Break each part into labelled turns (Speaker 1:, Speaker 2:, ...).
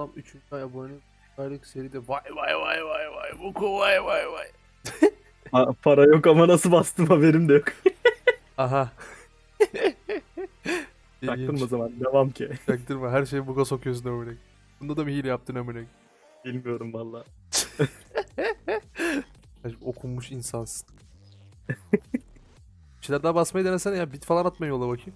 Speaker 1: Tam 3. ay abone aylık seride vay vay vay vay vay Buko vay vay vay.
Speaker 2: Para yok ama nasıl bastım haberim de yok.
Speaker 1: Aha.
Speaker 2: Taktım o
Speaker 1: İlginç.
Speaker 2: zaman devam ki.
Speaker 1: Çaktırma her şeyi buga sokuyorsun amına. Bunda da mı hile yaptın amına?
Speaker 2: Bilmiyorum valla.
Speaker 1: Okunmuş insansın. Bir şeyler daha basmayı denesene ya. Bit falan atmayı yolla bakayım.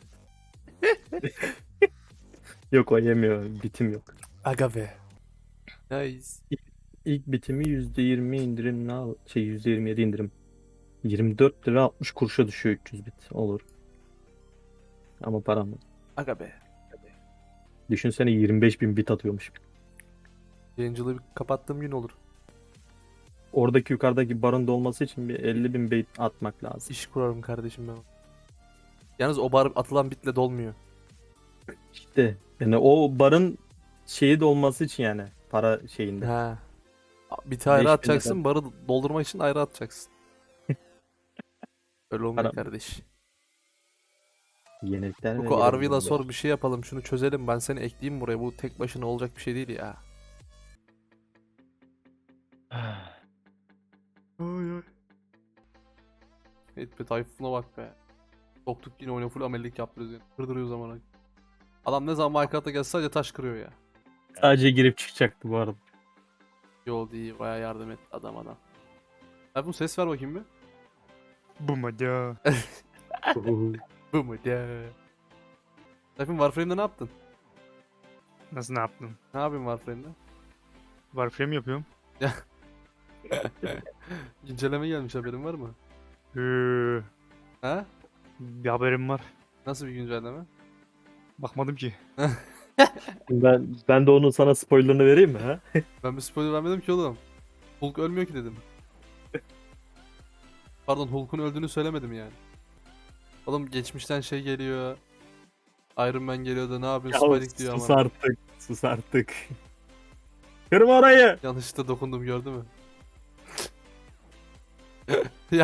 Speaker 2: Yok o yemiyor. Bitim yok.
Speaker 1: Aga be. Nice.
Speaker 2: İlk bitimi %20 indirimle al. %27 indirim. 24 lira 60 kuruşa düşüyor 300 bit. Olur. Ama param yok.
Speaker 1: Aga be.
Speaker 2: Düşünsene 25 bin bit atıyormuş.
Speaker 1: Yayıncılığı bir kapattığım gün olur.
Speaker 2: Oradaki yukarıdaki barın dolması için bir 50 bin bit atmak lazım.
Speaker 1: İş kurarım kardeşim ben. Yalnız o bar atılan bitle dolmuyor.
Speaker 2: İşte yani o barın şeyi dolması için yani para şeyinde.
Speaker 1: Ha. Biti ayrı
Speaker 2: 5000
Speaker 1: atacaksın,
Speaker 2: lira
Speaker 1: barı doldurmak için ayrı atacaksın. Öyle olmuyor
Speaker 2: param.
Speaker 1: kardeş.
Speaker 2: Yenilikler ve
Speaker 1: Buko Arvi'la
Speaker 2: gelenekler.
Speaker 1: sor bir şey yapalım, şunu çözelim, ben seni ekleyeyim buraya. Bu tek başına olacak bir şey değil ya. Ay ay. Evet be, Tayfun'a bak be. Soktuk yine oyuna, full amellik yaptırıyoruz yani. Kırdırıyor zamana. Adam ne zaman Minecraft'a gelse sadece taş kırıyor ya.
Speaker 2: Sadece girip çıkacaktı bu arada.
Speaker 1: Yol değil, baya yardım et adam. Tayfun ses ver bakayım bir.
Speaker 3: Bu mu ya?
Speaker 1: Bu mu de? Tayfun Warframe'de ne yaptın?
Speaker 3: Nasıl ne yaptın?
Speaker 1: Ne yapayım Warframe'de?
Speaker 3: Warframe yapıyorum.
Speaker 1: Güncelleme gelmiş, haberin var mı?
Speaker 3: Ee,
Speaker 1: Ha?
Speaker 3: bir haberim var.
Speaker 1: Nasıl bir güncelleme?
Speaker 3: Bakmadım ki.
Speaker 2: Ben de onun sana spoilerını vereyim mi ha?
Speaker 1: Ben bir spoiler vermedim ki oğlum. Hulk ölmüyor ki dedim. Pardon, Hulk'un öldüğünü söylemedim yani. Oğlum geçmişten şey geliyor. Iron Man geliyor da ne yapıyorsun Spidey diyor
Speaker 2: Sus
Speaker 1: ama.
Speaker 2: artık. Sus artık. Kırma orayı.
Speaker 1: Yanlışlıkla dokundum, gördü mü? Ya.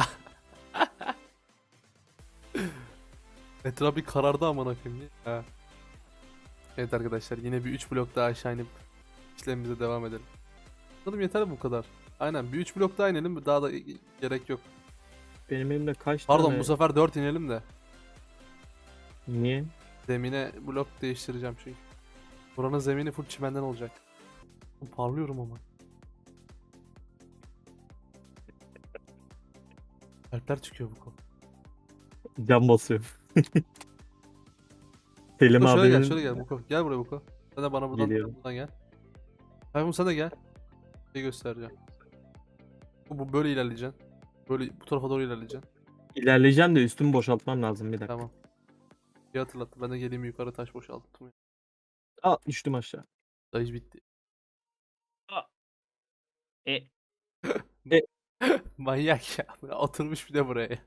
Speaker 1: Etraf bir karardı amına koyayım. Ha. Evet arkadaşlar, yine bir 3 blok daha aşağı inip işlemimize devam edelim. Sanırım yeter bu kadar. Aynen, bir 3 blok daha inelim, daha da gerek yok.
Speaker 2: Benim elimde kaç
Speaker 1: Pardon,
Speaker 2: tane...
Speaker 1: bu sefer 4 inelim de.
Speaker 2: Niye?
Speaker 1: Zemine blok değiştireceğim çünkü. Buranın zemini full çimenden olacak. Parlıyorum ama. Kalpler çıkıyor bu konu.
Speaker 2: Cam basıyor. Selim
Speaker 1: Buko şöyle gel,
Speaker 2: abinin...
Speaker 1: şöyle gel Buko. Gel buraya Buko. Sen de bana
Speaker 2: Geliyorum.
Speaker 1: buradan gel. Tayfun sen de gel. Bir şey göstereceğim. Bu böyle ilerleyeceksin. Böyle bu tarafa doğru ilerleyeceksin.
Speaker 2: İlerleyeceğim de üstümü boşaltmam lazım bir dakika.
Speaker 1: Tamam. Bir hatırlattı. Ben de geleyim yukarı taş boşalttım.
Speaker 2: Aa düştüm aşağı.
Speaker 1: Dayı bitti.
Speaker 3: E.
Speaker 1: Manyak ya. Oturmuş bir de buraya.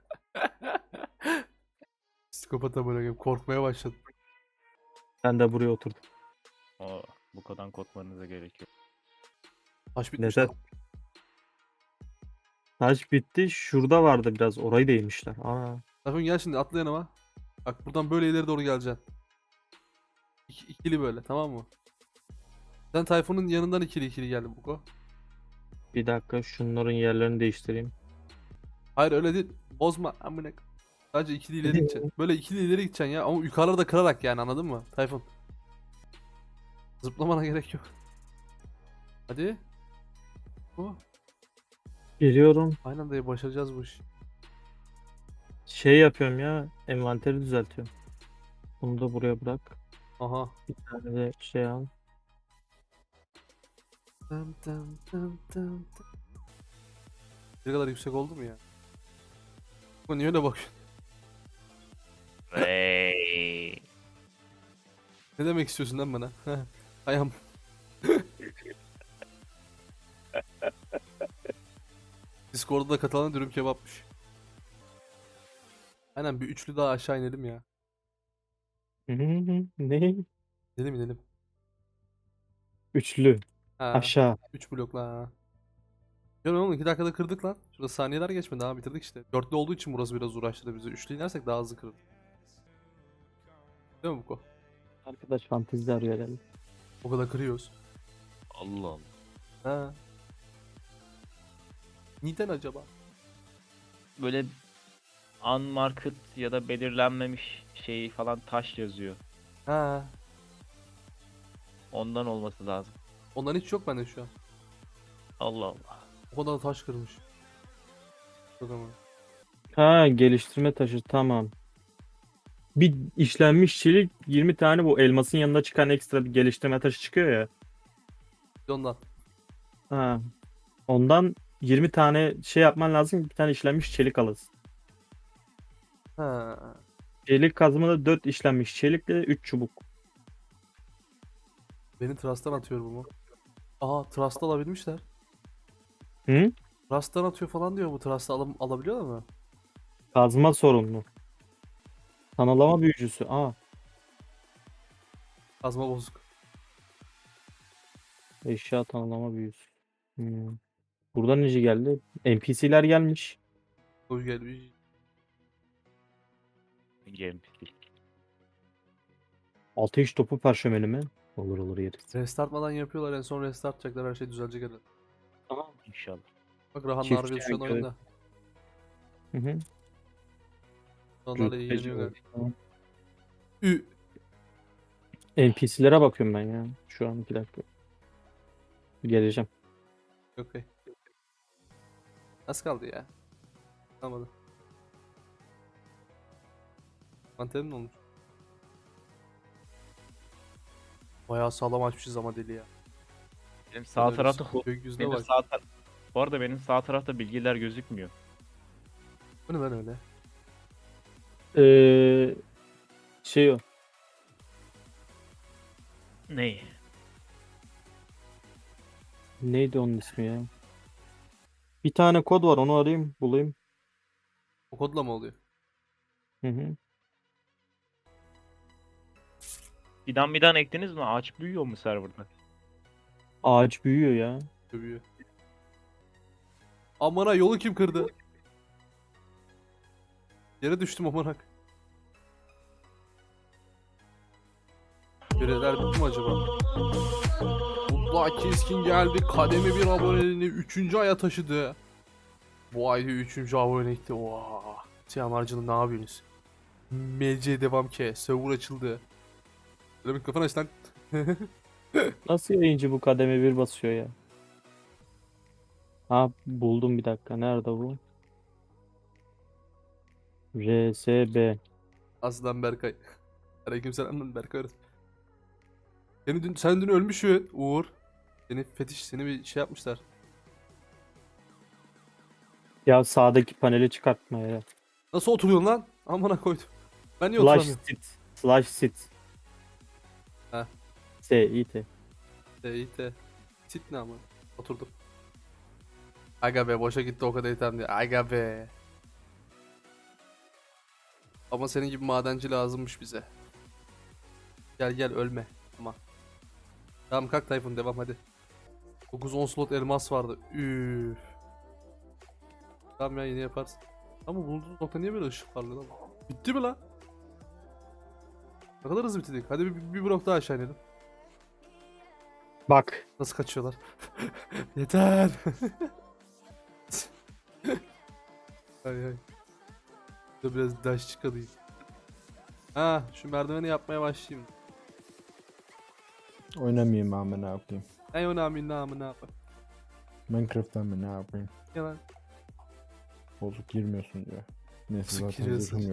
Speaker 1: Psikopata bırakıp korkmaya başladım.
Speaker 2: Ben de buraya oturdum.
Speaker 4: Bu kadar korkmanıza gerek yok.
Speaker 1: Taş bitmiş
Speaker 2: Neden?
Speaker 1: lan.
Speaker 2: Taş bitti. Şurada vardı biraz. Orayı değmişler. Aa.
Speaker 1: Tayfun gel şimdi, atla yanıma. Bak buradan böyle ileri doğru geleceksin. İkili böyle, tamam mı? Sen Tayfun'un yanından ikili gel Buko.
Speaker 2: Bir dakika şunların yerlerini değiştireyim.
Speaker 1: Hayır öyle değil. Bozma amına. Sadece ikili ileri gideceksin. Böyle ikili ileri gideceksin ya, ama yukarıda da kırarak yani, anladın mı Tayfun? Zıplamana gerek yok. Hadi. Bu.
Speaker 2: Geliyorum.
Speaker 1: Aynen anda başaracağız bu işi.
Speaker 2: Şey yapıyorum ya. Envanteri düzeltiyorum. Bunu da buraya bırak.
Speaker 1: Aha.
Speaker 2: Bir tane de şey al.
Speaker 1: Dım dım dım dım dım. Ne kadar yüksek oldu mu ya? Bu niye öyle bakıyorsun?
Speaker 4: Hey.
Speaker 1: Ne demek istiyorsun lan bana? Ayağım. Discord'da da katılan dürüm kebapmış. Aynen, bir üçlü daha aşağı inelim ya.
Speaker 2: Ne?
Speaker 1: İnelim.
Speaker 2: Üçlü.
Speaker 1: Ha.
Speaker 2: Aşağı.
Speaker 1: 3 blokla ha. Görüyor musun? 2 dakikada kırdık lan. Şurada saniyeler geçmedi, daha bitirdik işte. Dörtlü olduğu için burası biraz uğraştırdı bizi. Üçlü inersek daha hızlı kırılır. Değil mi Buko?
Speaker 2: Arkadaş fantezi arıyor herhalde.
Speaker 1: O kadar kırıyoruz.
Speaker 4: Allah Allah.
Speaker 1: Ha. Neden acaba?
Speaker 4: Böyle unmarked ya da belirlenmemiş şey falan taş yazıyor.
Speaker 1: Ha.
Speaker 4: Ondan olması lazım.
Speaker 1: Ondan hiç yok bende şu an.
Speaker 4: Allah Allah.
Speaker 1: O kadar da taş kırmış. O zaman.
Speaker 2: Ha, geliştirme taşı, tamam. Bir işlenmiş çelik 20 tane, bu elmasın yanında çıkan ekstra bir geliştirme taşı çıkıyor ya.
Speaker 1: Bir de ondan.
Speaker 2: Ha. Ondan 20 tane şey yapman lazım, bir tane işlenmiş çelik alırsın.
Speaker 1: Ha.
Speaker 2: Çelik kazmada 4 işlenmiş çelikle 3 çubuk.
Speaker 1: Beni Trust'tan atıyor bu mu? Aha Trust'ı alabilmişler.
Speaker 2: Hı?
Speaker 1: Trust'tan atıyor falan diyor bu Trust'ı alabiliyor mu?
Speaker 2: Kazma sorumlu. Tanılama büyücüsü. Aa,
Speaker 1: Kazma bozuk.
Speaker 2: eşya tanılama büyücüsü. Buradan nece geldi? NPC'ler gelmiş.
Speaker 1: Koy gelmiş.
Speaker 4: Gameplay.
Speaker 2: Ateş topu parşömeni mi? Olur olur, yeriz.
Speaker 1: Restartmadan yapıyorlar en son restart yapacaklar her şey düzelecek herhalde.
Speaker 2: Tamam.
Speaker 4: İnşallah.
Speaker 1: Bak Rahan
Speaker 2: Çift
Speaker 1: Nargül şu an
Speaker 2: çankırı.
Speaker 1: oyunda.
Speaker 2: Hı hı.
Speaker 1: Onlarla
Speaker 2: Rütbeci
Speaker 1: ilgileniyor
Speaker 2: var.
Speaker 1: galiba.
Speaker 2: Tamam.
Speaker 1: Ü.
Speaker 2: NPC'lere bakıyorum ben ya. Şu an 2 dakika. Geleceğim.
Speaker 1: Okey. Az kaldı ya. Kalmadı. Mantenim ne olmuş? Bayağı sağlam açmışız ama deli ya.
Speaker 4: Benim sağ
Speaker 1: Öyle
Speaker 4: tarafta
Speaker 1: gökyüzüne
Speaker 4: benim
Speaker 1: bak.
Speaker 4: Bu arada benim sağ tarafta bilgiler gözükmüyor.
Speaker 1: Bu ne lan öyle?
Speaker 2: Şey o.
Speaker 4: Ney?
Speaker 2: Neydi onun ismi ya? Bir tane kod var, onu arayayım bulayım.
Speaker 1: O kodla mı oluyor?
Speaker 2: Hı hı.
Speaker 4: Fidan ektiniz mi? Ağaç büyüyor mu serverda?
Speaker 2: Ağaç büyüyor ya.
Speaker 1: Dövüyor. Amına yolu kim kırdı? Yere düştüm amanak. Görevler bitti mi acaba? Mutlu Keskin geldi. Kademe bir aboneliğini 3. aya taşıdı. Bu ayda 3. abonelikti. Oha. Tiyamarcının ne yapıyorsunuz? MC devam ki. Server açıldı. Böyle mikrofon aç lan.
Speaker 2: Nasıl yayıncı bu kademe bir basıyor ya? Ha, buldum, bir dakika. Nerede bu? RSB.
Speaker 1: Aslan Berkay. Aleykümselam lan Berkay. Sen dün ölmüşsün Uğur. Seni bir şey yapmışlar.
Speaker 2: Ya sağdaki paneli çıkartma ya.
Speaker 1: Nasıl oturuyorsun lan? Amına koydum. Ben niye
Speaker 2: Slash
Speaker 1: oturamıyorum?
Speaker 2: sit. Slash sit.
Speaker 1: Ha.
Speaker 2: S-I-T.
Speaker 1: İyi. Sit ne ama? Oturdum. Aga be boşa gitti o kadar item diye. Aga be. Ama senin gibi madenci lazımmış bize. Gel ölme. Ama. Tamam kalk Tayfun devam hadi. 9-10 slot elmas vardı. Üf. Tamam ya yine yaparsın. Ama bulduğumuz nokta niye böyle ışık parlıyor lan? Bitti mi lan? Ne kadar hızlı bitirdik. Hadi bir blok daha aşağı inelim.
Speaker 2: Bak.
Speaker 1: Nasıl kaçıyorlar? Yeter. Hay. Dur biraz daş çıkalayım. Ha, şu merdiveni yapmaya başlayayım.
Speaker 5: Oynamayayım ama ne yapayım?
Speaker 1: Ey önemli namı ne yapayım?
Speaker 5: Minecraft'tan mı ne yapayım?
Speaker 1: Yalan.
Speaker 5: Bozuk girmiyorsun diyor. Neyse
Speaker 1: Bozuk
Speaker 5: zaten
Speaker 1: giriyorsun.
Speaker 5: zırhım yok.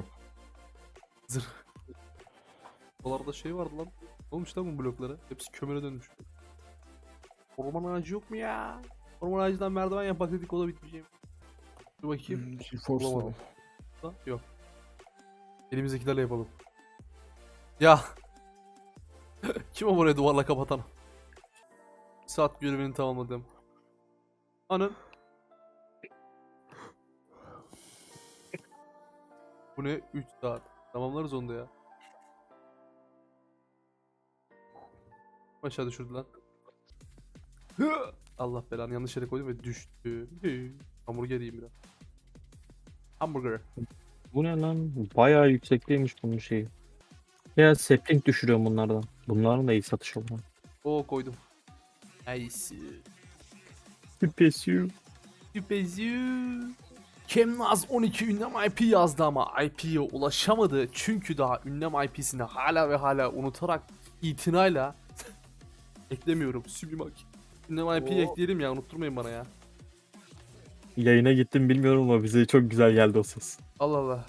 Speaker 1: Oralarda şey vardı lan. Ne olmuş lan bu bloklara? Hepsi kömüre dönmüş. Orman ağacı yok mu ya? Orman ağacından merdiven yapak dedik o da bitmeyecek. Dur bakayım.
Speaker 5: GeForce
Speaker 1: Bulamadım.
Speaker 5: Now.
Speaker 1: Da, yok. Elimizdekilerle yapalım. Ya. Kim o buraya duvarla kapatan? Saat görevini tamamladım. Anın. Bu ne? 3 saat. Tamamlarız onu da ya. Aşağı düşürdü lan. Allah belanı yanlış yere koydum ve düştü. Hamburger yiyeyim biraz. Hamburger.
Speaker 2: Bu ne lan? Bayağı yüksekteymiş bunun şeyi. Ya sapling düşürüyorum bunlardan. Bunların da iyi satış oluyor.
Speaker 1: Oo koydum. Nice.
Speaker 2: Pesiu.
Speaker 1: Süpeziu. Kemnaz 12 ünlem IP yazdı ama IP'ye ulaşamadı. Çünkü daha ünlem IP'sini hala ve hala unutarak itinayla eklemiyorum. Sublimak. Ünlem IP'yi ekleyelim ya, unutturmayın bana ya.
Speaker 2: Yayına gittim bilmiyorum ama bize çok güzel geldi o ses.
Speaker 1: Allah Allah.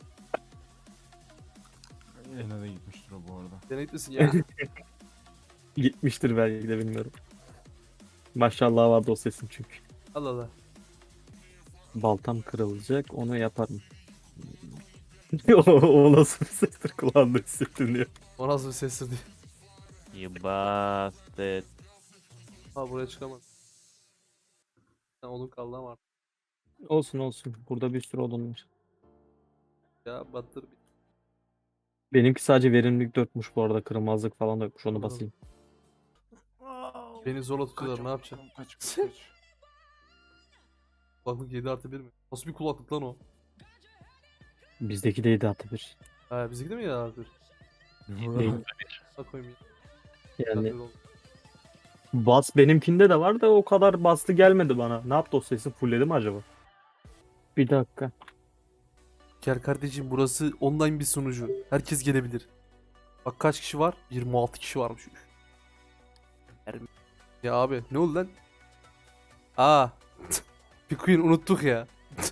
Speaker 5: Yine de gitmiştir o bu arada.
Speaker 1: Deneklisin ya.
Speaker 2: Gitmiştir belki de bilmiyorum. Maşallah vardı o sesin çünkü.
Speaker 1: Allah Allah.
Speaker 2: Baltam kırılacak onu yaparım. o nasıl bir sestir kulağımda hissettiriyor.
Speaker 1: O nasıl bir sestir diye.
Speaker 4: You bastard.
Speaker 1: Ha, buraya çıkamaz. Ha, onun kaldı ama artık.
Speaker 2: Olsun olsun. Burada bir sürü odun var.
Speaker 1: Ya battır.
Speaker 2: Benimki sadece verimlilik 4'müş bu arada. Kırılmazlık falan da yokmuş. Onu
Speaker 1: Anladım.
Speaker 2: basayım.
Speaker 1: Beni zorla tutuyorlar, ne yapacağım?
Speaker 5: Kaç.
Speaker 1: Kulaklık 7+1 mi? Nasıl bir kulaklık lan o?
Speaker 2: Bizdeki de 7 artı 1.
Speaker 1: Ha, bizimki de mi 7+1?
Speaker 2: Değil.
Speaker 1: Ha, koyayım ya.
Speaker 2: Yani
Speaker 1: 7+1 oldu.
Speaker 2: bas benimkinde de var da o kadar bastı gelmedi bana. Ne yaptı o sesi? Fullledi mi acaba? Bir dakika.
Speaker 1: Gel kardeşim, burası online bir sunucu. Herkes gelebilir. Bak kaç kişi var? 26 kişi varmış. Ya abi ne oldu lan? Aa. Pikuin unuttuk ya.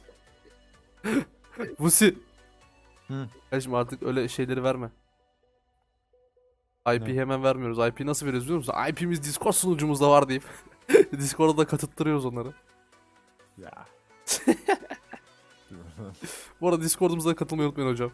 Speaker 1: Vusi.
Speaker 5: Hı.
Speaker 1: Kardeşim artık öyle şeyleri verme. IP
Speaker 5: Ne?
Speaker 1: hemen vermiyoruz. IP nasıl veriyoruz biliyor musun? IP'miz Discord sunucumuzda var deyip Discord'da da katıttırıyoruz onları.
Speaker 5: Ya.
Speaker 1: Bu arada Discord'umuza da katılmayı unutmayın hocam.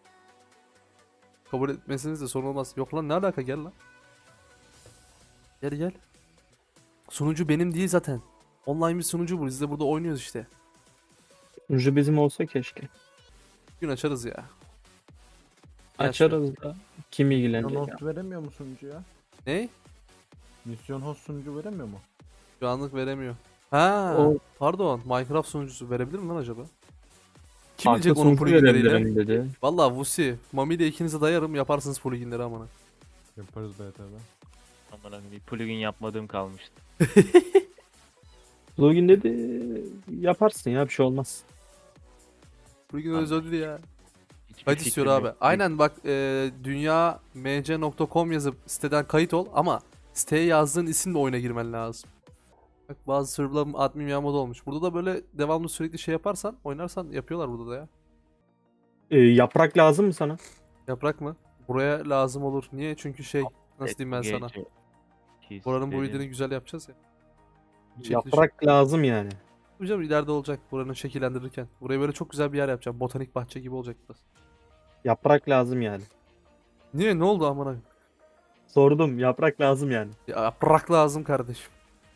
Speaker 1: Kabul etmeseniz de sorun olmaz. Yok lan, ne alaka, gel lan. Gel gel. Sunucu benim değil zaten. Online bir sunucu bu. Biz de burada oynuyoruz işte.
Speaker 2: Sunucu bizim olsa keşke.
Speaker 1: Bir gün açarız ya.
Speaker 2: Açarız da. Kim
Speaker 5: Misyon
Speaker 2: ilgilenecek ya?
Speaker 5: host veremiyor mu sunucuya?
Speaker 1: Ne?
Speaker 5: Misyon host sunucu veremiyor mu?
Speaker 1: Şu anlık veremiyor. Ha,
Speaker 2: O-
Speaker 1: pardon. Minecraft sunucusu verebilir mi lan acaba? Kim
Speaker 2: Farklı
Speaker 1: bilecek onun
Speaker 2: sunucu
Speaker 1: pluginleriyle?
Speaker 2: verebilirim dedi.
Speaker 1: Valla Vusi, Mami ile ikinize dayarım, yaparsınız pluginleri amına.
Speaker 5: Yaparız BT'de.
Speaker 4: Aman bir plugin yapmadığım kalmıştı.
Speaker 2: Plugin dedi yaparsın ya bir şey olmaz.
Speaker 1: Plugin
Speaker 4: Anladım.
Speaker 1: özelliği ya.
Speaker 4: Hiçbir
Speaker 1: Kayıt
Speaker 4: fikrim
Speaker 1: istiyor
Speaker 4: yok.
Speaker 1: abi. Aynen bak, dünyamc.com yazıp siteden kayıt ol ama siteye yazdığın isimle oyuna girmen lazım. Bak bazı serverların admin yağmada olmuş. Burada da böyle devamlı sürekli şey yaparsan, oynarsan yapıyorlar burada da ya.
Speaker 2: Yaprak lazım mı sana?
Speaker 1: Yaprak mı? Buraya lazım olur. Niye? Çünkü şey, nasıl diyeyim ben sana. Buranın bu videonu güzel yapacağız ya. Çekiliş.
Speaker 2: Yaprak lazım yani.
Speaker 1: Hocam ileride olacak buranın şekillendirirken. Buraya böyle çok güzel bir yer yapacağım. Botanik bahçe gibi olacak burası.
Speaker 2: Yaprak lazım yani.
Speaker 1: Niye? Ne oldu amına?
Speaker 2: Sordum yaprak lazım yani.
Speaker 1: Ya, yaprak lazım kardeşim.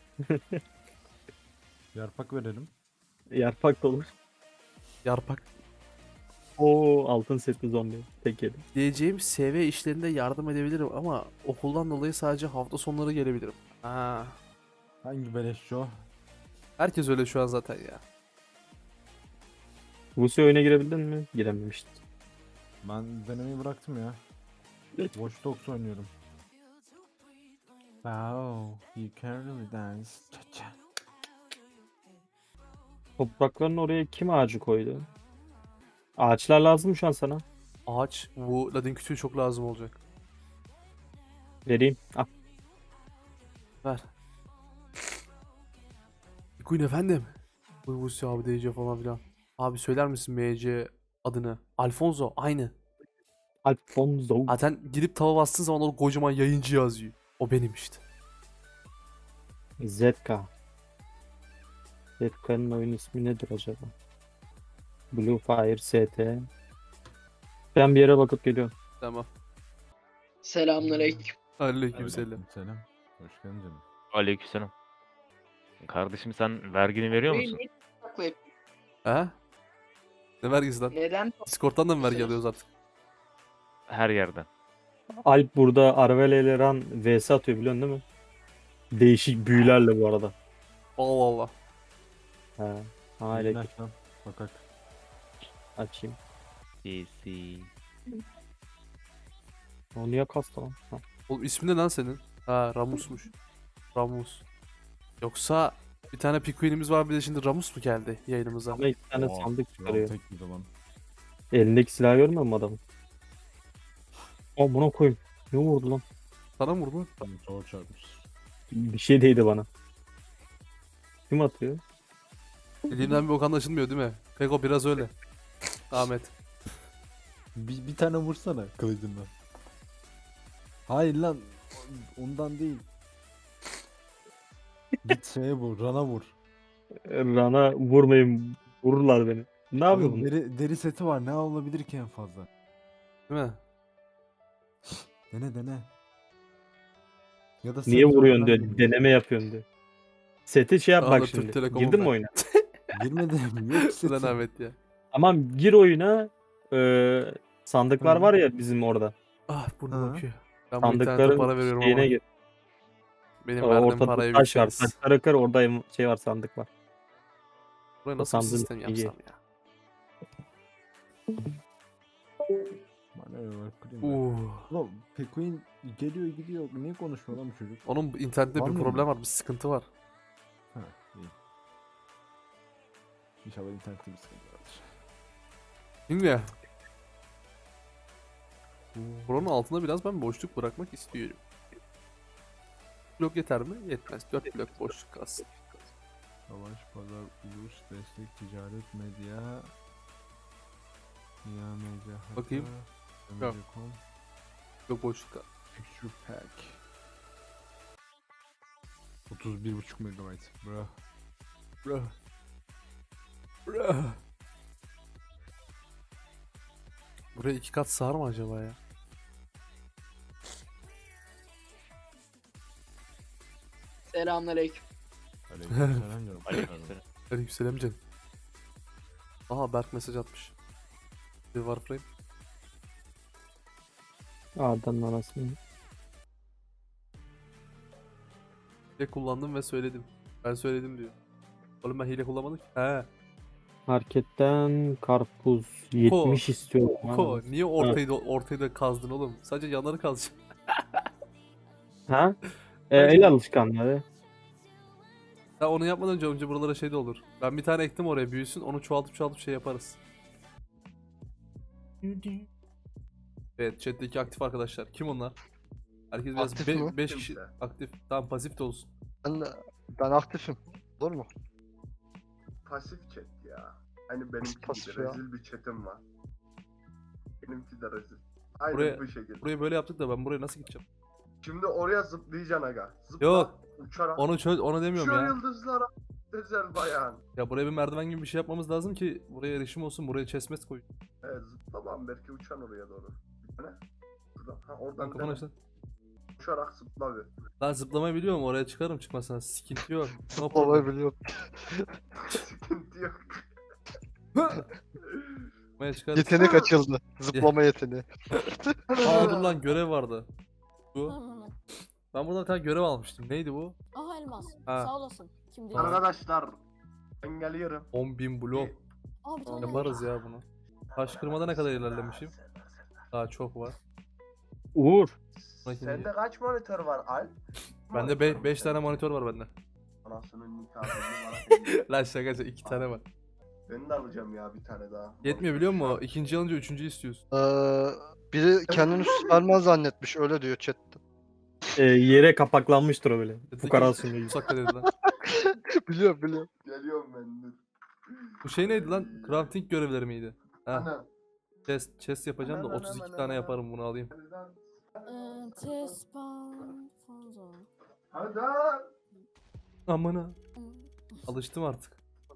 Speaker 5: Yarpak verelim.
Speaker 2: Yaprak da olur.
Speaker 1: Yarpak.
Speaker 2: Oo altın setli zombi. Tek yedim.
Speaker 1: Diyeceğim, SV işlerinde yardım edebilirim ama okuldan dolayı sadece hafta sonları gelebilirim. Ha.
Speaker 5: Hangi beleşçi o?
Speaker 1: Herkes öyle şu an zaten ya.
Speaker 2: Vusi oyuna girebildin mi? Girememiştin.
Speaker 5: Ben denemeyi bıraktım ya. Watch Dogs oynuyorum. Wow, you can really dance. Cha-cha.
Speaker 2: Toprakların oraya kim ağacı koydu? Ağaçlar lazım mı şu an sana?
Speaker 1: Ağaç, bu ladin kütüğü çok lazım olacak.
Speaker 2: Vereyim. Al.
Speaker 1: Ver. Queen efendim. Uygusu abi DC falan filan. Abi söyler misin MC adını? Alfonso aynı.
Speaker 2: Alfonso.
Speaker 1: Zaten girip tava bastığın zaman o kocaman yayıncı yazıyor. O benim işte.
Speaker 2: ZK. ZK'nın oyun ismi nedir acaba? Blue Fire ST. Ben bir yere bakıp geliyorum.
Speaker 1: Tamam.
Speaker 6: Selamünaleyküm.
Speaker 1: Aleykümselam.
Speaker 5: Selam. Hoş geldin canım.
Speaker 4: Aleykümselam. Kardeşim sen vergini veriyor musun?
Speaker 6: Niye saklayıp-
Speaker 1: He? Ne vergisi lan?
Speaker 6: Neden?
Speaker 1: Discord'dan da mı vergi alıyoruz artık?
Speaker 4: Her yerden.
Speaker 2: Alp burada Arvele ile Ran vs atıyor biliyorsun değil mi? Değişik büyülerle bu arada.
Speaker 1: Allah Allah.
Speaker 2: He. Ha
Speaker 5: Yayını
Speaker 2: elektrik
Speaker 5: aç lan. Bakak.
Speaker 2: açayım.
Speaker 4: DC.
Speaker 2: O niye kastı lan? Ha.
Speaker 1: Oğlum ismi ne lan senin? Ha, Ramus'muş. Ramus. Yoksa bir tane Pikuin'imiz var, bir de şimdi Ramus mu geldi yayınımıza?
Speaker 2: Ama iki tane
Speaker 5: Oha,
Speaker 2: sandık
Speaker 5: Kral
Speaker 2: çıkarıyor.
Speaker 5: tek bir de lan.
Speaker 2: Elindeki silahı görmüyor musun adamın? Buna koyayım. Ne vurdu lan?
Speaker 1: Sana mı vurdu?
Speaker 5: Çok çarpmış.
Speaker 2: Bir şey değdi bana. Kim atıyor?
Speaker 1: Elimden bir bok anlaşılmıyor değil mi? Peko biraz öyle. Ahmet.
Speaker 5: Bir tane vursana kılıcından. Hayır lan. Ondan değil. Git şeye vur. Rana vur.
Speaker 2: Rana vurmayın. Vururlar beni. Ne yapıyor
Speaker 5: Oğlum
Speaker 2: bunu?
Speaker 5: deri seti var. Ne olabilir ki en fazla?
Speaker 1: Değil mi?
Speaker 5: Dene. Ya da
Speaker 2: Niye
Speaker 5: set var,
Speaker 2: vuruyorsun
Speaker 5: ben
Speaker 2: diyor.
Speaker 5: bilmiyorum.
Speaker 2: Deneme yapıyorsun diyor. Seti şey yap
Speaker 1: Aa, da
Speaker 2: bak
Speaker 1: Türk
Speaker 2: şimdi.
Speaker 1: Telekom'um
Speaker 2: Girdin mi
Speaker 1: ben.
Speaker 2: oyuna?
Speaker 5: Girmedim. Yok
Speaker 1: Ulan
Speaker 5: seti.
Speaker 1: Ahmet ya.
Speaker 2: Tamam gir oyuna. Sandıklar
Speaker 5: Hı.
Speaker 2: var ya bizim orada.
Speaker 1: Ah burnum
Speaker 5: Ha.
Speaker 1: akıyor. Ben bu internete
Speaker 2: Sandıkların
Speaker 1: para veriyorum
Speaker 2: şeyine
Speaker 1: ama
Speaker 2: gir.
Speaker 1: benim verdiğim
Speaker 2: Ortada
Speaker 1: parayı
Speaker 2: taş var.
Speaker 1: bilseniz.
Speaker 2: Taşlara kır orada şey var sandık var.
Speaker 1: Buraya nasıl bir
Speaker 2: sandığın
Speaker 1: sistem
Speaker 2: içine
Speaker 1: yapsam ya?
Speaker 5: Bana öyle bak, kırayım ben. Ulan Pekuin geliyor gidiyor. Niye konuşmuyor lan bu çocuk?
Speaker 1: Onun internette
Speaker 5: Var
Speaker 1: bir
Speaker 5: mı?
Speaker 1: problem var, bir sıkıntı var.
Speaker 5: Ha iyi. İnşallah internette bir sıkıntı vardır.
Speaker 1: Şimdi buranın altında biraz ben boşluk bırakmak istiyorum. Blok yeter mi? Yetmez. 4 blok boşluk kalsın.
Speaker 5: Savaş, pazar, ulus, destek, ticaret, medya. Ya medya.
Speaker 1: Bakayım. Yok. Blok boşluk kalsın.
Speaker 5: Picture pack. 31,5 megabayt. Bro.
Speaker 1: Bro. Bro. Buraya 2 kat sığar mı acaba ya?
Speaker 6: Selamünaleyküm.
Speaker 5: Aleykümselam canım.
Speaker 4: Aleykümselam.
Speaker 1: Aleykümselam canım. Aha Berk mesaj atmış. Bir Warframe.
Speaker 2: A'dan anasını.
Speaker 1: Hile kullandım ve söyledim. Ben söyledim diyor. Oğlum ben hile kullanmadım ki. He.
Speaker 2: Marketten karpuz 70 istiyorum.
Speaker 1: Ko niye ortayı da kazdın oğlum? Sadece yanları kazacaksın.
Speaker 2: Ha? El alışkanlığı.
Speaker 1: Ya onu yapmadan önce buralara şey de olur. Ben bir tane ektim oraya, büyüsün, onu çoğaltıp şey yaparız. Evet, chat'teki aktif arkadaşlar. Kim onlar? Herkes biraz
Speaker 7: Aktif mi?
Speaker 1: 5 kişi aktif. Tamam, pasif de olsun.
Speaker 7: Ben aktifim. Olur mu?
Speaker 8: Pasif chat ya. Hani benimki
Speaker 7: Pasif
Speaker 8: gibi
Speaker 7: ya.
Speaker 8: rezil bir chatim var. Benimki de rezil. Aynen
Speaker 1: Buraya-
Speaker 8: bu şekilde.
Speaker 1: Burayı böyle yaptık da ben buraya nasıl gideceğim?
Speaker 8: Şimdi oraya zıplayacaksın aga. Zıpla.
Speaker 1: Yok.
Speaker 8: Uçarak.
Speaker 1: Onu demiyorum
Speaker 8: Şu
Speaker 1: ya.
Speaker 8: yıldızlara özel bayan.
Speaker 1: Ya buraya bir merdiven gibi bir şey yapmamız lazım ki buraya erişim olsun. Buraya chestmet koy.
Speaker 8: Evet zıplamam belki uçan oraya doğru. Bir tane. Buradan. Ha
Speaker 1: Lan
Speaker 8: oradan
Speaker 1: kafana
Speaker 8: dene.
Speaker 1: işte.
Speaker 8: Uçarak zıpla bir.
Speaker 1: Lan zıplamayı biliyorum, oraya çıkarım çıkmasına. Sıkıntı yok. No
Speaker 7: Zıplamayı
Speaker 1: problem.
Speaker 7: biliyorum.
Speaker 8: Sıkıntı yok.
Speaker 1: Zıplamaya çıkarız.
Speaker 7: Yetenek açıldı. Zıplama yeteneği.
Speaker 1: Aa dur lan, görev vardı. Bu. Ben buradan bir tane görev almıştım. Neydi bu?
Speaker 6: Aha elmas.
Speaker 1: Ha.
Speaker 6: Sağ olasın. Kim diyor?
Speaker 8: Arkadaşlar ben geliyorum.
Speaker 1: 10.000 blok.
Speaker 6: Aa bir tane
Speaker 1: Yaparız ya bunu. Taş kırmada ne kadar ilerlemişim? Daha çok var.
Speaker 2: Uğur.
Speaker 8: Sende kaç monitör var Alp?
Speaker 1: Bende 5 tane monitör var bende.
Speaker 8: Anasının nikahını
Speaker 1: Lan şaka 2 tane var.
Speaker 8: Ben de alacağım ya bir tane daha.
Speaker 1: Yetmiyor biliyor musun? İkinci alınca üçüncü istiyorsun.
Speaker 7: Biri kendini Superman zannetmiş. Öyle diyor chatte.
Speaker 2: Yere kapaklanmıştır o böyle. Fukara sunuyor.
Speaker 1: Musakka dedi lan.
Speaker 7: Biliyorum.
Speaker 8: Geliyorum ben dur.
Speaker 1: Bu şey neydi lan? Crafting görevleri miydi? Ha,
Speaker 8: Ana.
Speaker 1: chest yapacağım da 32 tane yaparım, bunu alayım.
Speaker 6: Tespan Fonzo.
Speaker 8: Hadi.
Speaker 1: Amına. Alıştım artık.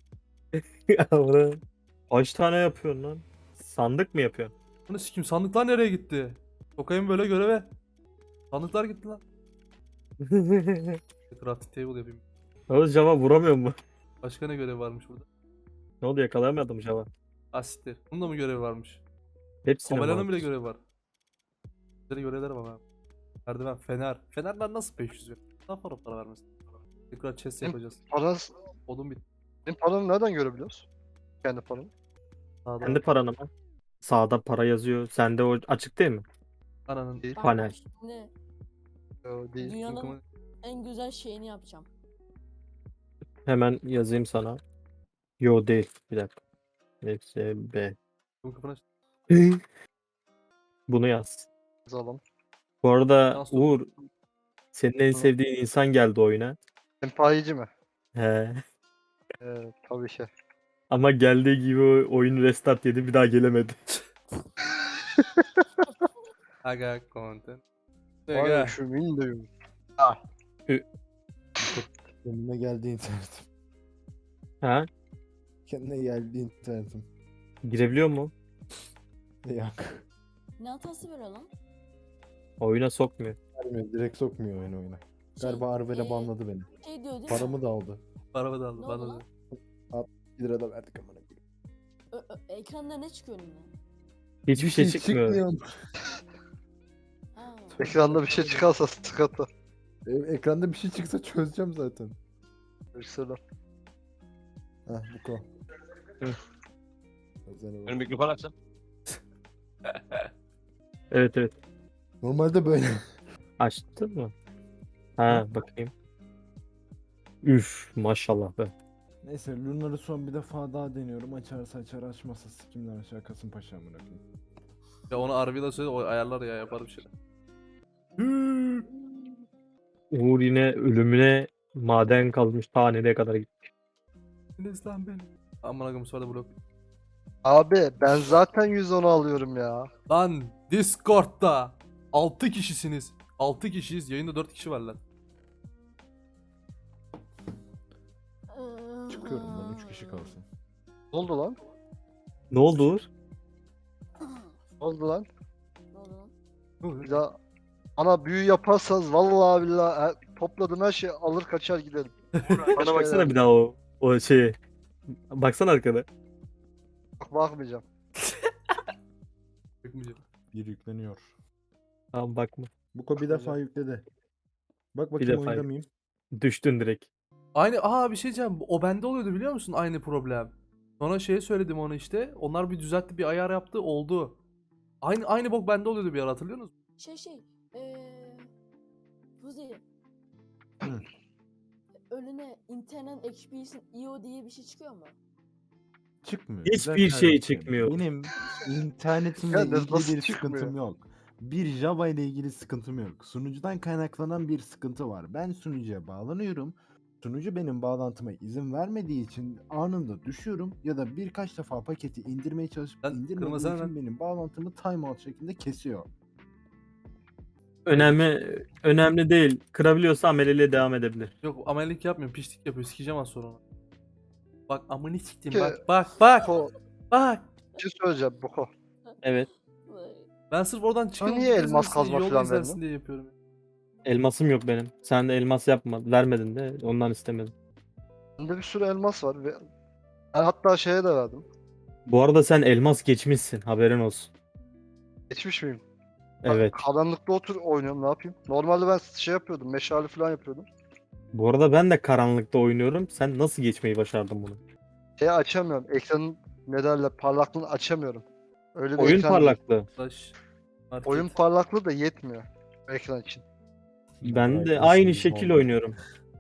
Speaker 2: Kaç tane yapıyorsun lan? Sandık mı yapıyorsun?
Speaker 1: Bunu sikim, sandıklar nereye gitti? Sokayım böyle göreve. Sandıklar gitti lan. Crafting table yapayım.
Speaker 2: Oğuz Java vuramıyor mu?
Speaker 1: Başka ne görev varmış burada?
Speaker 2: Ne oldu yakalayamadım Java.
Speaker 1: Asitler. Bunun da mı görevi varmış?
Speaker 2: Hepsine
Speaker 1: Kovalanın
Speaker 2: var.
Speaker 1: bile görevi var. Güzel görevler var abi. Merdiven, fener. Fenerler nasıl 500 ver? Daha para vermesin. Tekrar chest yapacağız.
Speaker 7: Paran,
Speaker 1: Odun bit.
Speaker 7: senin paranı nereden görebiliyoruz? Kendi paranı.
Speaker 1: Sağda.
Speaker 2: Kendi paranı mı? Sağda para yazıyor. Sende o açık değil mi?
Speaker 1: Ananın.
Speaker 7: Değil.
Speaker 6: Bak,
Speaker 2: Panel.
Speaker 6: Şimdi
Speaker 7: Yo, değil.
Speaker 6: dünyanın
Speaker 1: Bakımı-
Speaker 6: en güzel şeyini yapacağım.
Speaker 2: Hemen yazayım sana. Yo değil. Bir dakika. FSB.
Speaker 1: Kafana
Speaker 2: Bunu yaz.
Speaker 7: Yazalım.
Speaker 2: Bu arada
Speaker 1: Nasıl?
Speaker 2: Uğur, senin en sevdiğin insan geldi oyuna.
Speaker 7: Sempayici mi?
Speaker 2: He.
Speaker 7: Tabii ki.
Speaker 2: Ama geldiği gibi oyun restart yedi, bir daha gelemedi.
Speaker 1: Aga content.
Speaker 7: Vay
Speaker 1: Aga.
Speaker 7: şu Windows'um.
Speaker 5: Kendime geldi internetim.
Speaker 2: Ha?
Speaker 5: Kendine geldi internetim.
Speaker 2: Girebiliyor mu?
Speaker 5: Yok.
Speaker 6: Ne hatası veriyor lan?
Speaker 2: Oyuna sokmuyor.
Speaker 5: Vermiyor. Direkt sokmuyor oyuna.
Speaker 6: Şey,
Speaker 5: Galiba Arvel'e
Speaker 6: e,
Speaker 5: banladı beni.
Speaker 6: Şey diyor değil mi?
Speaker 5: Paramı da aldı.
Speaker 1: Araba da aldı.
Speaker 6: Ne
Speaker 1: Bana
Speaker 6: oldu
Speaker 1: da.
Speaker 6: lan?
Speaker 5: 1 lira da verdik amına koyayım.
Speaker 6: Ekranda ne çıkıyor önüne?
Speaker 2: Hiçbir şey çıkmıyor.
Speaker 6: Ha.
Speaker 7: Ekranda bir şey çıkarsa sıkıntı.
Speaker 5: Ekranda bir şey çıksa çözeceğim zaten.
Speaker 7: Mesela.
Speaker 5: Heh bu ko.
Speaker 2: Hı.
Speaker 5: Özel
Speaker 3: mikrofon açsam.
Speaker 2: Evet evet.
Speaker 5: Normalde böyle.
Speaker 2: Açtın mı? Ha bakayım. Üf maşallah be.
Speaker 5: Neyse Lunar'ı son bir defa daha deniyorum. Açarsa açar, açmazsa sikimler aşağı Kasımpaşa amına koyayım.
Speaker 1: Ya onu Arvi'yle söyle o ayarlar ya yapar bir şey.
Speaker 2: Uğur yine ölümüne maden kalmış, ta nereye kadar gitmiş.
Speaker 1: Enes lan beni. Aman akım sonra blok.
Speaker 7: Abi ben zaten 110 alıyorum ya.
Speaker 1: Lan Discord'da 6 kişisiniz. 6 kişiyiz. Yayında 4 kişi var lan.
Speaker 5: Çıkıyorum lan 3 kişi kalsın.
Speaker 7: Ne oldu lan?
Speaker 2: Ne oldu Uğur?
Speaker 7: Ne oldu lan?
Speaker 6: Ne oldu lan?
Speaker 7: Bir daha ana büyü yaparsanız vallahi billahi topladığım her şeyi alır kaçar giderim.
Speaker 2: Bana baksana bir daha o şeye. Baksana arkada.
Speaker 7: Bakmayacağım.
Speaker 1: Bakmayacağım.
Speaker 5: Bir yükleniyor.
Speaker 2: Tamam bakma.
Speaker 5: Buko bir defa yükledi. Bak bakayım
Speaker 2: defa
Speaker 5: oyunda
Speaker 2: yük-
Speaker 5: mıyım?
Speaker 2: Düştün direkt.
Speaker 1: Aynı bir şey diyeceğim. O bende oluyordu biliyor musun aynı problem. Sonra şeye söyledim onu işte. Onlar bir düzeltti, bir ayar yaptı, oldu. Aynı bok bende oluyordu bir ara hatırlıyor musun?
Speaker 6: Fuzi.
Speaker 5: Hı.
Speaker 6: Önüne internet experience IO diye bir şey çıkıyor mu?
Speaker 5: Çıkmıyor.
Speaker 2: Hiçbir
Speaker 5: Güzel
Speaker 2: şey
Speaker 5: kardeşim.
Speaker 2: çıkmıyor.
Speaker 5: Benim internetimle
Speaker 7: Ya
Speaker 5: ilgili
Speaker 7: nasıl
Speaker 5: bir
Speaker 7: çıkmıyor?
Speaker 5: sıkıntım yok. Bir Java ile ilgili sıkıntım yok. Sunucudan kaynaklanan bir sıkıntı var. Ben sunucuya bağlanıyorum. Sunucu benim bağlantıma izin vermediği için anında düşüyorum ya da birkaç defa paketi indirmeye çalışıp
Speaker 1: Lan
Speaker 5: indirmediği
Speaker 1: kırmasana
Speaker 5: için
Speaker 1: lan.
Speaker 5: benim bağlantımı timeout şeklinde kesiyor.
Speaker 2: Önemli değil. Kırabiliyorsa ameleliğe devam edebilir.
Speaker 1: Yok amelilik yapmıyorum, piştik yapıyor. Sikeceğim az sonra onu. Bak amını siktim
Speaker 7: Ki-
Speaker 1: bak.
Speaker 7: Boko,
Speaker 1: Bak.
Speaker 7: bir şey söyleyeceğim Boko.
Speaker 2: Evet.
Speaker 1: Ben sırf oradan çıkıyorum.
Speaker 7: niye
Speaker 1: gideriz
Speaker 7: elmas
Speaker 1: mesela,
Speaker 7: kazma
Speaker 1: yol
Speaker 7: falan
Speaker 1: izlersin
Speaker 7: verdin?
Speaker 1: diye yapıyorum.
Speaker 2: Elmasım yok benim. Sen de elmas yapma. Vermedin de ondan istemedim.
Speaker 7: Bende bir sürü elmas var ve ben hatta şeye de verdim.
Speaker 2: Bu arada sen elmas geçmişsin. Haberin olsun.
Speaker 7: Geçmiş miyim?
Speaker 2: Evet.
Speaker 7: Karanlıkta oynuyorum ne yapayım? Normalde ben şey yapıyordum, meşale falan yapıyordum.
Speaker 2: Bu arada ben de karanlıkta oynuyorum. Sen nasıl geçmeyi başardın bunu?
Speaker 7: Şeyi açamıyorum, ekranın ne derler parlaklığını açamıyorum. Öyle bir
Speaker 2: Oyun
Speaker 7: ekran değil.
Speaker 2: parlaklığı.
Speaker 1: Flash. Market.
Speaker 7: Oyun parlaklığı da yetmiyor ekran için.
Speaker 2: Ben de
Speaker 5: Bright
Speaker 2: aynı
Speaker 5: Essence
Speaker 2: şekil
Speaker 5: oldu.
Speaker 2: oynuyorum.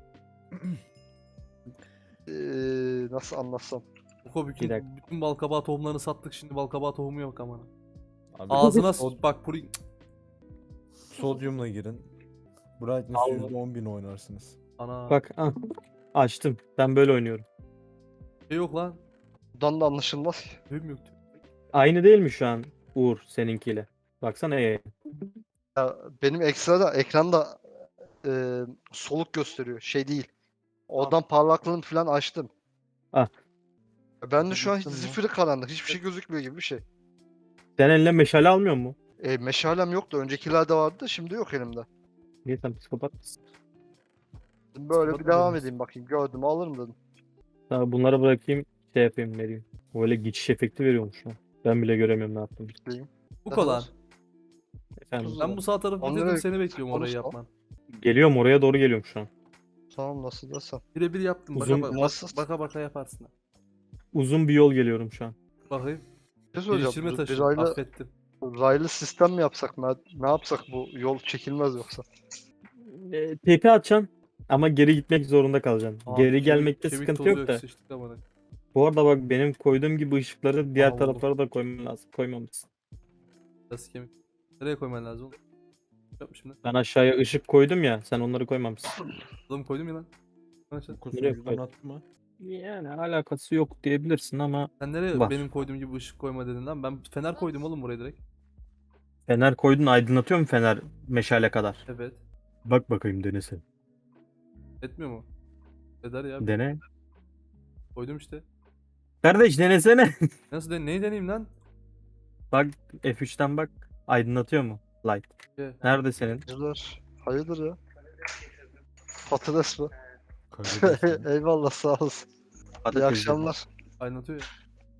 Speaker 7: Nasıl anlatsam?
Speaker 1: Boko
Speaker 2: Bir dakika.
Speaker 1: bütün balkabağı tohumlarını sattık şimdi balkabağı tohumu yok ama.
Speaker 5: Abi,
Speaker 1: Ağzına
Speaker 5: sod-
Speaker 1: bak puri.
Speaker 5: sodyumla girin. Brightness
Speaker 2: Allah.
Speaker 5: %10.000 oynarsınız.
Speaker 1: Ana.
Speaker 2: Bak açtım. Ben böyle oynuyorum.
Speaker 1: Şey yok lan.
Speaker 7: Buradan da anlaşılmaz ki.
Speaker 1: Tüyüm yok.
Speaker 2: Aynı değil mi şu an Uğur seninkiyle? Baksana
Speaker 7: Ya, benim ekranda soluk gösteriyor. Şey değil. Oradan parlaklığını falan açtım.
Speaker 2: Ah.
Speaker 7: Ben de şu an hiç
Speaker 5: Açtın mı?
Speaker 7: zifiri karanlık. Hiçbir şey gözükmüyor gibi bir şey.
Speaker 2: Sen eline meşale almıyor mu?
Speaker 7: Meşalem yoktu. Öncekilerde vardı. Şimdi yok elimde.
Speaker 2: Niye sen psikopat mısın?
Speaker 7: Böyle bir
Speaker 1: Psikopat
Speaker 7: devam
Speaker 1: mı
Speaker 7: edeyim bakayım. Gördüm alırım dedim.
Speaker 2: Daha bunları bırakayım şey yapayım vereyim. Böyle geçiş efekti veriyormuş lan. Ben bile göremiyorum ne yaptım.
Speaker 1: Bu
Speaker 7: Ne
Speaker 1: kadar.
Speaker 2: Efendim.
Speaker 7: Tuz-
Speaker 1: Ben bu sağ tarafı
Speaker 7: Onları
Speaker 1: bitirdim seni bekliyorum orayı
Speaker 7: konuşma.
Speaker 1: yapman.
Speaker 2: Geliyorum oraya doğru geliyorum şu an.
Speaker 7: Tamam nasıl desem.
Speaker 1: Birebir yaptım.
Speaker 2: Uzun-
Speaker 1: Baka yaparsın.
Speaker 2: Uzun bir yol geliyorum şu an.
Speaker 1: Bakayım.
Speaker 7: Bir şey
Speaker 1: Geliştirme
Speaker 7: söyleyeceğim.
Speaker 1: taşı.
Speaker 7: Raylı,
Speaker 1: Affettim.
Speaker 7: raylı sistem mi yapsak? Ne yapsak bu yol çekilmez yoksa?
Speaker 2: TP atacaksın. Ama geri gitmek zorunda kalacaksın.
Speaker 1: Aa,
Speaker 2: Geri
Speaker 1: kemik-
Speaker 2: gelmekte
Speaker 1: kemik
Speaker 2: sıkıntı
Speaker 1: tozu
Speaker 2: yok da.
Speaker 1: sıçtık amına.
Speaker 2: Bu arada bak benim koyduğum gibi ışıkları diğer
Speaker 1: Aa,
Speaker 2: taraflara da koyman lazım. Koymamışsın.
Speaker 1: Biraz kemik. Nereye koyman lazım oğlum? Yapmışım lan.
Speaker 2: Ben aşağıya ışık koydum ya. Sen onları koymamışsın.
Speaker 1: Adamı koydum ya lan. Lan aşağı.
Speaker 5: Bu
Speaker 2: Nereye
Speaker 5: sunucudan
Speaker 2: koydun?
Speaker 5: attı mı?
Speaker 2: Yani alakası yok diyebilirsin ama
Speaker 1: Sen nereye
Speaker 2: var.
Speaker 1: benim koyduğum gibi ışık koyma dedin lan? Ben fener koydum oğlum buraya direkt.
Speaker 2: fener koydun, aydınlatıyor mu fener meşale kadar?
Speaker 1: Evet.
Speaker 2: Bak bakayım, denesin.
Speaker 1: Etmiyor mu? Eder ya.
Speaker 2: Dene.
Speaker 1: Koydum işte.
Speaker 2: Kardeş denesene.
Speaker 1: Nasıl neyi deneyeyim lan?
Speaker 2: Bak F3'ten bak. Aydınlatıyor mu? Light.
Speaker 1: Ye.
Speaker 2: Nerede senin?
Speaker 7: Hayırdır? Hayırdır ya? Patates mi?
Speaker 5: Karides mi?
Speaker 7: Eyvallah sağ olasın. İyi akşamlar.
Speaker 1: Aydınlatıyor ya.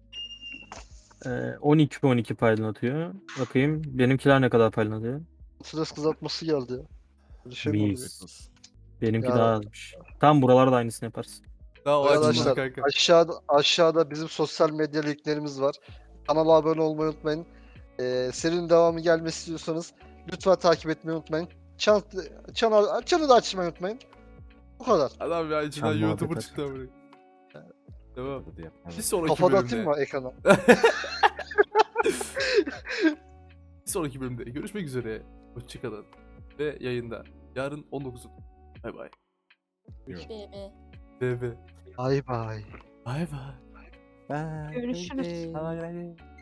Speaker 2: 12 aydınlatıyor. Bakayım benimkiler ne kadar aydınlatıyor?
Speaker 7: Patates kızartması geldi ya. Bir şey mi oluyor?
Speaker 2: Mis. Benimki
Speaker 7: Ya.
Speaker 2: daha azmış. Tam buralarda aynısını yaparsın.
Speaker 1: Daha o açılmadı
Speaker 7: Arkadaşlar
Speaker 1: kanka.
Speaker 7: aşağıda bizim sosyal medya linklerimiz var. Kanala abone olmayı unutmayın. Serinin devamı gelmesi istiyorsanız lütfen takip etmeyi unutmayın. Çanı da açmayı unutmayın. Bu kadar.
Speaker 1: Adam ya içinden
Speaker 5: Çam
Speaker 1: YouTuber
Speaker 5: muhabbet
Speaker 1: çıktı amına. Devam.
Speaker 5: Hadi yap.
Speaker 1: Bir sonraki
Speaker 7: Kafada atayım
Speaker 1: bölümde.
Speaker 7: mı ekrana?
Speaker 1: Bir sonraki bölümde görüşmek üzere. Hoşçakalın. Ve yayında. Yarın 19'u. Bay bay.
Speaker 6: BB.
Speaker 1: BB.
Speaker 7: Bye bye.
Speaker 1: Bay bay.
Speaker 5: Bye.
Speaker 3: Görüşürüz.
Speaker 1: Bye bay.